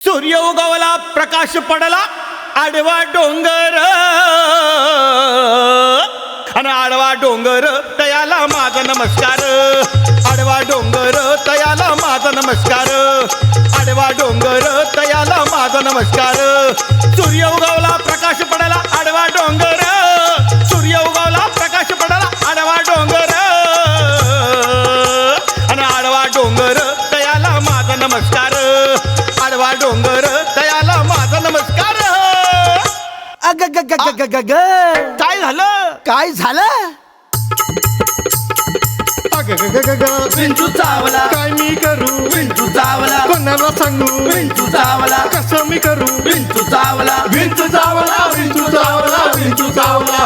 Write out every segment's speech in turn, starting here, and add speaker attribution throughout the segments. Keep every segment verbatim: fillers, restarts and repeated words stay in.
Speaker 1: सूर्य उगवला प्रकाश पडला आडवा डोंगर आणि आडवा डोंगर तयाला माझा नमस्कार आडवा डोंगर तयाला माझा नमस्कार आडवा डोंगर तयाला माझा नमस्कार सूर्य उगवला प्रकाश पडला आडवा डोंगर सूर्य उगवला प्रकाश पडला आडवा डोंगर आणि आडवा डोंगर तयाला माझा नमस्कार आडवा डोंगर तयाला माझा नमस्कार.
Speaker 2: अग ग ग ग ग ग
Speaker 1: काय झालं
Speaker 2: काय झालं?
Speaker 3: अग ग ग ग ग
Speaker 4: विंचू चावला
Speaker 3: काय मी करू
Speaker 4: विंचू चावला
Speaker 3: कोणाला सांगू
Speaker 4: विंचू चावला
Speaker 3: कसं मी करू
Speaker 4: विंचू चावला विंचू चावला विंचू चावला विंचू चावला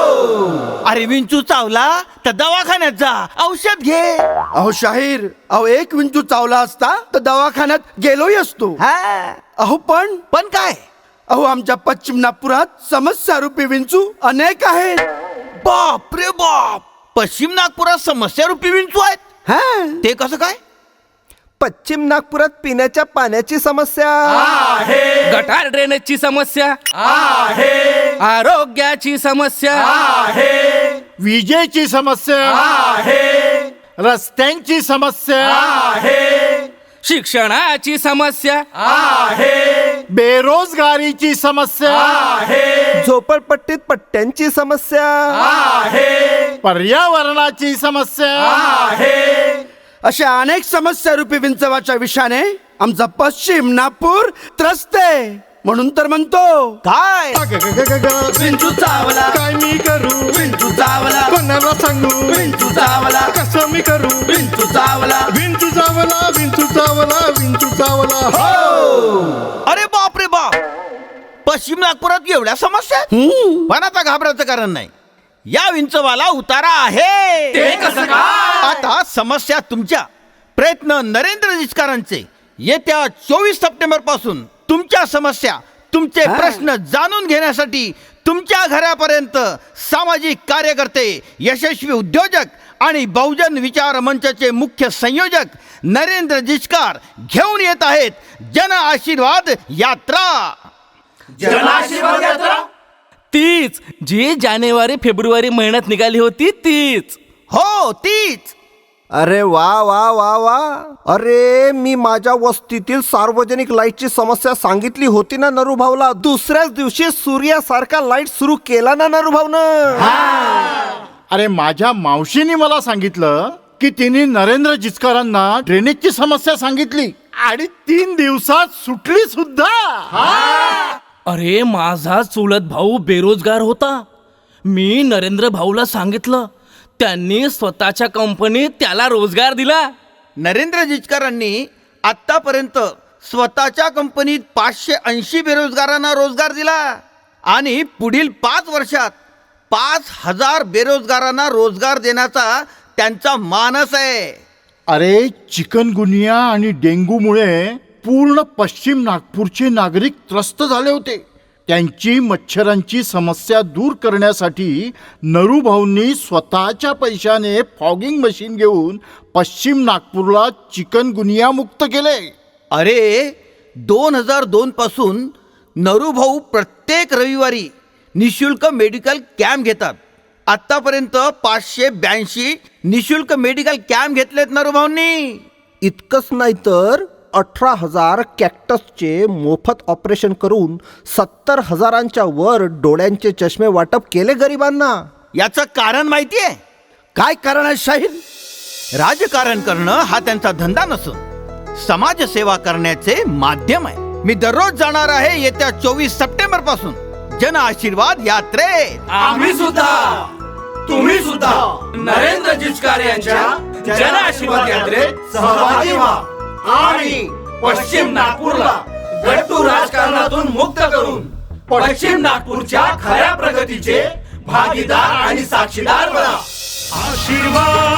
Speaker 4: हो.
Speaker 1: अरे विंचू चावला तर दवाखान्यात जा औषध घे.
Speaker 2: अहो शाहीर, अहो एक विंचू चावला असता तर दवाखान्यात गेलोही असतो.
Speaker 1: हा
Speaker 2: अहो पण
Speaker 1: पण काय
Speaker 2: अहो आमच्या पश्चिम नागपुरात समस्या रूपी विंचू अनेक आहेत.
Speaker 1: बाप रे बाप पश्चिम नागपुरात समस्या रूपी विंचू आहेत.
Speaker 2: हा
Speaker 1: ते कसं काय?
Speaker 5: पश्चिम नागपुरात पिण्याच्या पाण्याची समस्या
Speaker 4: आहे
Speaker 6: गटार ड्रेनेजची समस्या
Speaker 4: आहे
Speaker 6: आरोग्याची समस्या
Speaker 4: आहे
Speaker 3: विजेची समस्या
Speaker 4: आहे
Speaker 3: रस्त्यांची समस्या
Speaker 4: आहे
Speaker 6: शिक्षणाची समस्या
Speaker 4: आहे
Speaker 3: बेरोजगारीची समस्या
Speaker 4: आहे
Speaker 5: झोपडपट्टीत पट्ट्यांची समस्या
Speaker 4: आहे
Speaker 3: पर्यावरणाची समस्या
Speaker 4: आहे
Speaker 2: अशा अनेक समस्या रूपी विंचवाच्या विषाने आमचा पश्चिम नागपूर त्रस्त आहे. म्हणून तर म्हणतो
Speaker 1: काय
Speaker 3: अग ग ग ग ग
Speaker 4: विंचू चावला
Speaker 3: काय मी करू
Speaker 4: विंचू चावला
Speaker 3: कोणाला सांगू
Speaker 4: विंचू चावला
Speaker 3: कसं मी करू
Speaker 4: विंचू चावला
Speaker 3: विंचू चावला विंचू चावला विंचू चावला हो.
Speaker 1: अरे बाप रे बाप पश्चिम नागपुरात एवढ्या समस्या आहेत? पण आता घाबरायचं कारण नाही. या विंचवाला उतारा आहे.
Speaker 4: ते कसं काय?
Speaker 1: आता समस्या तुमच्या प्रयत्न नरेंद्र जिचकारांचे येत्या चोवीस सप्टेंबर पासून तुमच्या समस्या तुमचे प्रश्न जाणून घेण्यासाठी तुमच्या घरापर्यंत सामाजिक कार्यकर्ते यशस्वी उद्योजक आणि बहुजन विचार मंचाचे मुख्य संयोजक नरेंद्र जिचकार घेऊन येत आहेत जन आशीर्वाद यात्रा.
Speaker 4: जनाशीर्वाद यात्रा
Speaker 6: तीच जी जानेवारी फेब्रुवारी महिन्यात निघाली होती तीच.
Speaker 1: हो तीच.
Speaker 5: अरे वा वा वा वा अरे मी माझ्या वस्तीतील सार्वजनिक लाईटची समस्या सांगितली होती ना नरूभाऊला. दुसऱ्याच दिवशी सूर्यासारखा लाईट सुरू केला ना नरूभाऊनं.
Speaker 3: अरे माझ्या मावशीने मला सांगितलं की तिने नरेंद्र जिचकारांना ड्रेनेजची समस्या सांगितली आणि तीन दिवसात सुटली सुद्धा.
Speaker 6: अरे माझा चुलत भाऊ बेरोजगार होता. मी नरेंद्र भाऊला सांगितलं, त्यांनी स्वतःच्या कंपनीत त्याला रोजगार दिला.
Speaker 1: नरेंद्र जिचकारांनी आतापर्यंत स्वतःच्या कंपनीत पाचशे ऐंशी बेरोजगारांना रोजगार दिला आणि पुढील पाच वर्षात पाच हजार बेरोजगारांना रोजगार देण्याचा त्यांचा मानस आहे.
Speaker 3: अरे चिकनगुनिया आणि डेंग्यूमुळे पूर्ण पश्चिम नागपूरचे नागरिक त्रस्त झाले होते. त्यांची मच्छरांची समस्या दूर करण्यासाठी नरूभाऊंनी स्वतःच्या पैशाने फॉगिंग मशीन घेऊन पश्चिम नागपूरला चिकनगुनिया मुक्त केले.
Speaker 1: अरे दोन हजार दोन पासून नरूभाऊ प्रत्येक रविवारी निशुल्क मेडिकल कॅम्प घेतात. आतापर्यंत पाचशे ब्याऐंशी निशुल्क मेडिकल कॅम्प घेतलेत नरूभाऊंनी.
Speaker 5: इतकंच नाही तर अठरा हजार कॅक्टसचे मोफत ऑपरेशन करून सत्तर हजारांच्या वर डोळ्यांचे चष्मे वाटप केले गरिबांना.
Speaker 1: याचं कारण माहितीये?
Speaker 2: काय कारण आहे शाहीर?
Speaker 1: राजकारण करणं हा त्यांचा धंदा नसून समाजसेवा करण्याचे माध्यम आहे. मी दररोज जाणार आहे येत्या चोवीस सप्टेंबर पासून जन आशीर्वाद यात्रेत.
Speaker 4: आम्ही सुद्धा तुम्ही सुद्धा नरेंद्र जिचकार यांच्या जन आशीर्वाद यात्रेत सहभागी व्हा आणि पश्चिम नागपूरला गट्टू राजकारणातून मुक्त करून पश्चिम नागपूरच्या खऱ्या प्रगतीचे भागीदार आणि साक्षीदार बना. आशीर्वाद